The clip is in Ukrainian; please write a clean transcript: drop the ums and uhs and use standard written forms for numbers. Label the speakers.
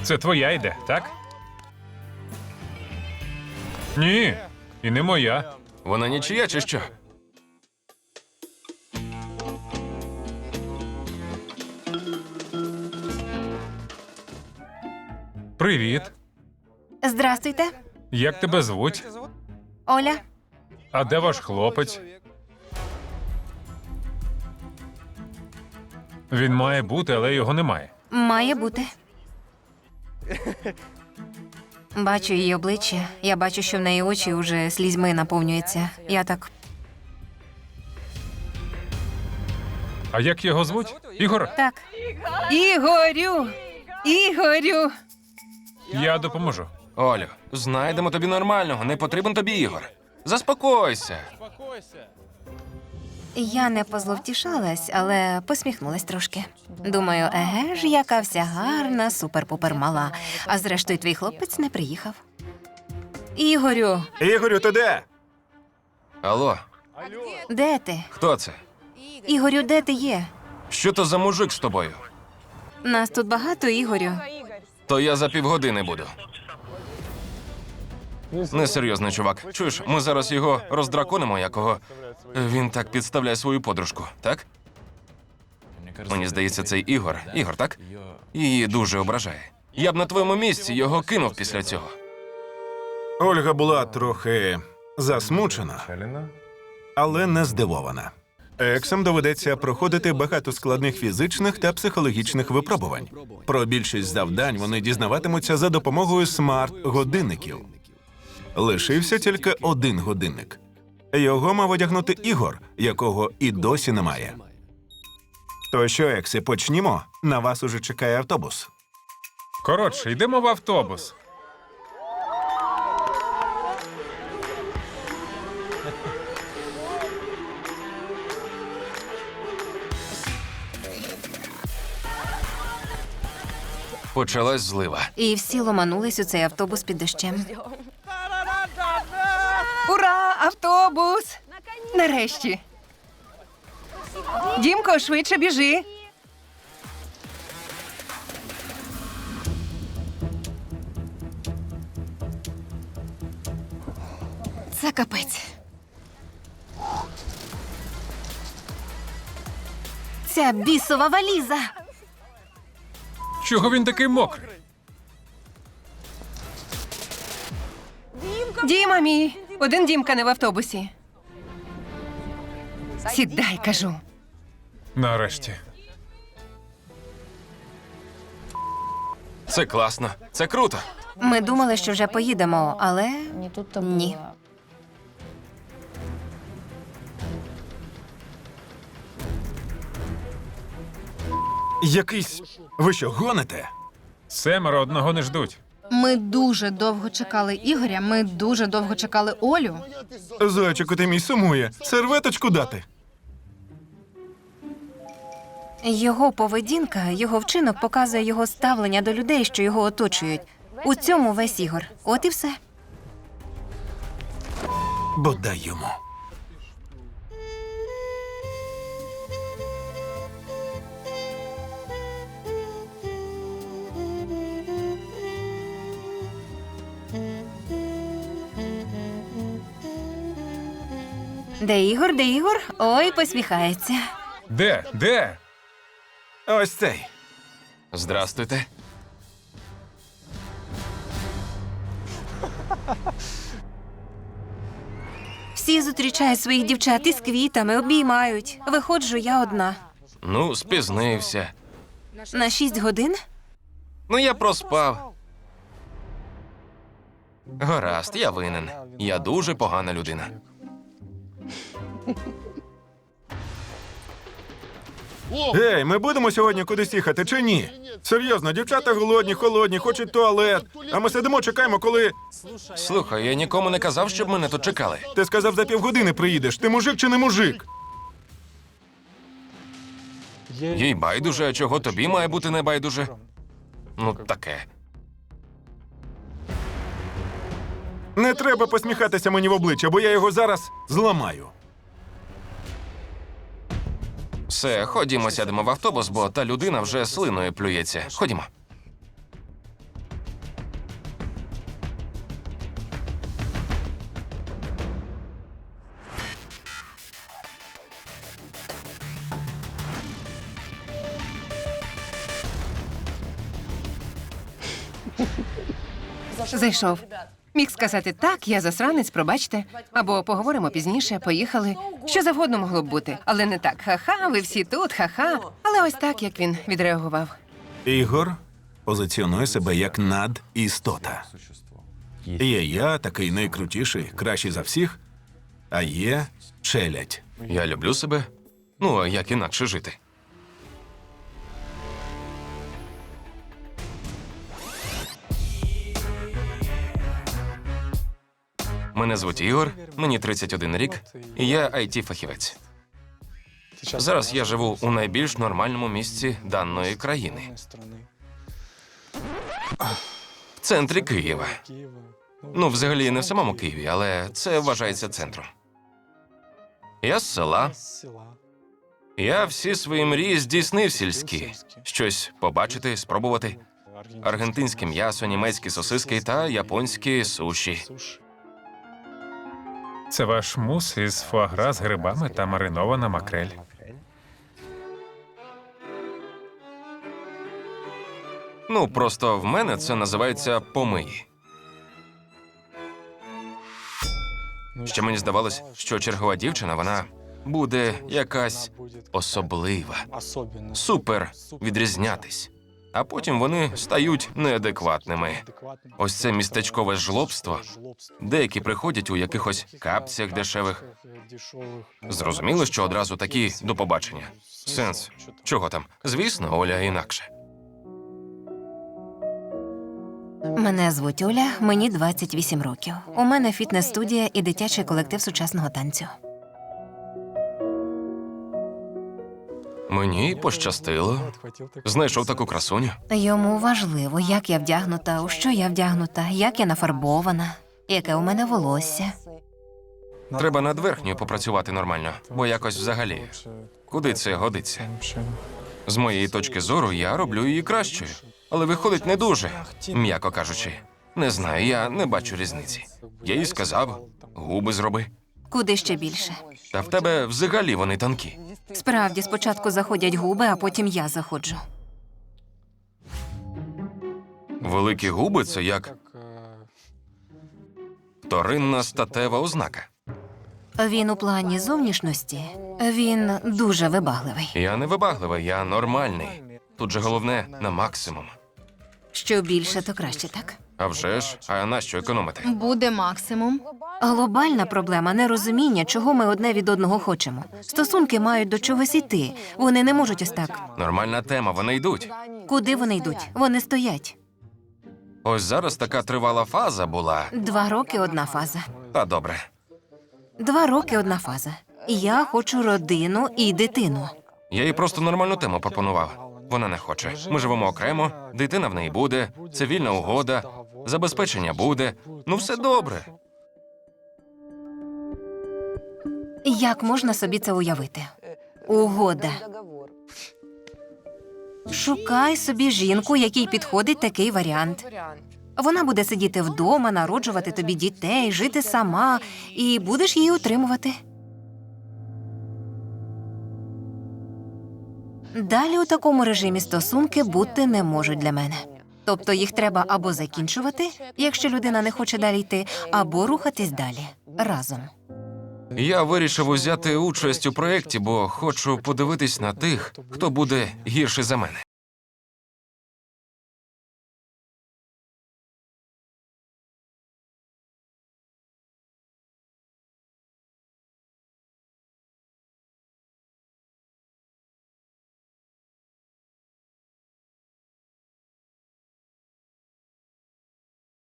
Speaker 1: Це твоя йде, так? Ні, і не моя.
Speaker 2: Вона нічия чи що?
Speaker 1: Привіт.
Speaker 3: Здрастуйте,
Speaker 1: Як тебе звуть?
Speaker 3: Оля.
Speaker 1: А де ваш хлопець? Він має бути, але його немає.
Speaker 3: Має бути. Бачу її обличчя. Я бачу, що в неї очі вже слізьми наповнюються. Я так.
Speaker 1: А як його звуть? Ігор?
Speaker 3: Так.
Speaker 4: Ігорю! Ігорю!
Speaker 1: Я допоможу.
Speaker 2: Олю, знайдемо тобі нормального, не потрібен тобі Ігор. Заспокойся.
Speaker 3: Я не позловтішалась, але посміхнулась трошки. Думаю, еге ж, яка вся гарна, супер-пупер мала. А зрештою, твій хлопець не приїхав. Ігорю,
Speaker 5: Ігорю, ти де?
Speaker 2: Алло,
Speaker 3: де ти?
Speaker 2: хто це?
Speaker 3: Ігорю, де ти є?
Speaker 2: Що то за мужик з тобою?
Speaker 3: Нас тут багато, Ігорю.
Speaker 2: То я за півгодини буду. Несерйозний чувак. Чуєш, ми зараз його роздраконимо, якого він так підставляє свою подружку, так? Мені здається, цей Ігор. Ігор, так? Її дуже ображає. Я б на твоєму місці його кинув після цього.
Speaker 5: Ольга була трохи засмучена, але не здивована. Ексам доведеться проходити багато складних фізичних та психологічних випробувань. Про більшість завдань вони дізнаватимуться за допомогою смарт-годинників. Лишився тільки один годинник. Його мав одягнути Ігор, якого і досі немає. То що, екси, почнімо? На вас уже чекає автобус.
Speaker 1: Коротше, йдемо в автобус.
Speaker 2: Почалась злива.
Speaker 3: І всі ломанулись у цей автобус під дощем.
Speaker 4: Ура! Автобус! Нарешті. Дімко, швидше біжи.
Speaker 3: Це капець. Ця бісова валіза.
Speaker 1: Чого він такий мокрий?
Speaker 4: Діма мій. Один Дімка не в автобусі. Сідай, кажу.
Speaker 1: Нарешті.
Speaker 2: Це класно. Це круто.
Speaker 3: Ми думали, що вже поїдемо, але
Speaker 6: Не тут-то
Speaker 3: ні.
Speaker 6: было.
Speaker 5: Якийсь... Ви що, гоните?
Speaker 1: 7 одного не ждуть.
Speaker 6: Ми дуже довго чекали Ігоря, ми дуже довго чекали Олю.
Speaker 5: Зайчику, ти мій сумує. Серветочку дати.
Speaker 3: Його поведінка, його вчинок показує його ставлення до людей, що його оточують. У цьому весь Ігор. От і все.
Speaker 5: Бодай йому.
Speaker 3: Де Ігор, де Ігор? Ой, посміхається.
Speaker 1: Де? Де?
Speaker 5: Ось цей.
Speaker 2: Здрастуйте.
Speaker 3: Всі зустрічають своїх дівчат із квітами, обіймають. Виходжу я одна.
Speaker 2: Ну, спізнився.
Speaker 3: На 6 годин?
Speaker 2: Ну, я проспав. Гаразд, я винен. Я дуже погана людина.
Speaker 5: Ей, ми будемо сьогодні кудись їхати чи ні? Серйозно, дівчата голодні, холодні, хочуть туалет. А ми сидимо, чекаємо, коли...
Speaker 2: Слухай, я нікому не казав, щоб мене тут чекали.
Speaker 5: Ти сказав, за півгодини приїдеш. Ти мужик чи не мужик?
Speaker 2: Їй байдуже, а чого тобі має бути не байдуже? Ну, таке.
Speaker 5: Не треба посміхатися мені в обличчя, бо я його зараз зламаю.
Speaker 2: Все, ходімо, сядемо в автобус, бо та людина вже слиною плюється. Ходімо.
Speaker 4: Зайшов. Міг сказати так, я засранець, пробачте. Або поговоримо пізніше, поїхали. Що завгодно могло б бути. Але не так. Ха-ха, ви всі тут, ха-ха. Але ось так, як він відреагував.
Speaker 5: Ігор позиціонує себе як надістота. Є я, такий найкрутіший, кращий за всіх, а є челядь.
Speaker 2: Я люблю себе. Ну, а як інакше жити? Мене звуть Ігор, мені 31 рік, і я IT-фахівець. Зараз я живу у найбільш нормальному місці даної країни. В центрі Києва. Ну, взагалі, не в самому Києві, але це вважається центром. Я з села. Я всі свої мрії здійснив сільські. Щось побачити, спробувати. Аргентинське м'ясо, німецькі сосиски та японські суші.
Speaker 1: Це ваш мус із фуагра з грибами та маринована макрель.
Speaker 2: Ну, просто в мене це називається помиї. Ще мені здавалось, що чергова дівчина, вона буде якась особлива, супер відрізнятись. А потім вони стають неадекватними. Ось це містечкове жлобство. Деякі приходять у якихось капцях дешевих. Зрозуміло, що одразу такі до побачення. Сенс. Чого там? Звісно, Оля інакше.
Speaker 3: Мене звуть Оля, мені 28 років. У мене фітнес-студія і дитячий колектив сучасного танцю.
Speaker 2: Мені пощастило. Знайшов таку красуню.
Speaker 3: Йому важливо, як я вдягнута, у що я вдягнута, як я нафарбована, яке у мене волосся.
Speaker 2: Треба над верхньою попрацювати нормально, бо якось взагалі. Куди це годиться? З моєї точки зору, я роблю її кращою. Але виходить не дуже, м'яко кажучи. Не знаю, я не бачу різниці. Я їй сказав, губи зроби.
Speaker 3: Куди ще більше?
Speaker 2: Та в тебе взагалі вони тонкі.
Speaker 3: Справді, спочатку заходять губи, а потім я заходжу.
Speaker 2: Великі губи – це як вторинна статева ознака.
Speaker 3: Він у плані зовнішності, він дуже вибагливий.
Speaker 2: Я не вибагливий, я нормальний. Тут же головне – на максимум.
Speaker 3: Що більше, то краще, так?
Speaker 2: А вже ж, а нащо економити?
Speaker 6: Буде максимум.
Speaker 3: Глобальна проблема – нерозуміння, чого ми одне від одного хочемо. Стосунки мають до чогось іти. Вони не можуть ось так.
Speaker 2: Нормальна тема, вони йдуть.
Speaker 3: Куди вони йдуть? Вони стоять.
Speaker 2: Ось зараз така тривала фаза була.
Speaker 3: 2 роки – одна фаза.
Speaker 2: Та добре.
Speaker 3: 2 роки – одна фаза. Я хочу родину і дитину.
Speaker 2: Я їй просто нормальну тему пропонував. Вона не хоче. Ми живемо окремо, дитина в неї буде, цивільна угода, забезпечення буде. Ну все добре.
Speaker 3: Як можна собі це уявити? Угода. Шукай собі жінку, якій підходить такий варіант. Вона буде сидіти вдома, народжувати тобі дітей, жити сама, і будеш її утримувати. Далі у такому режимі стосунки бути не можуть для мене. Тобто їх треба або закінчувати, якщо людина не хоче далі йти, або рухатись далі разом.
Speaker 2: Я вирішив узяти участь у проєкті, бо хочу подивитись на тих, хто буде гірший за мене.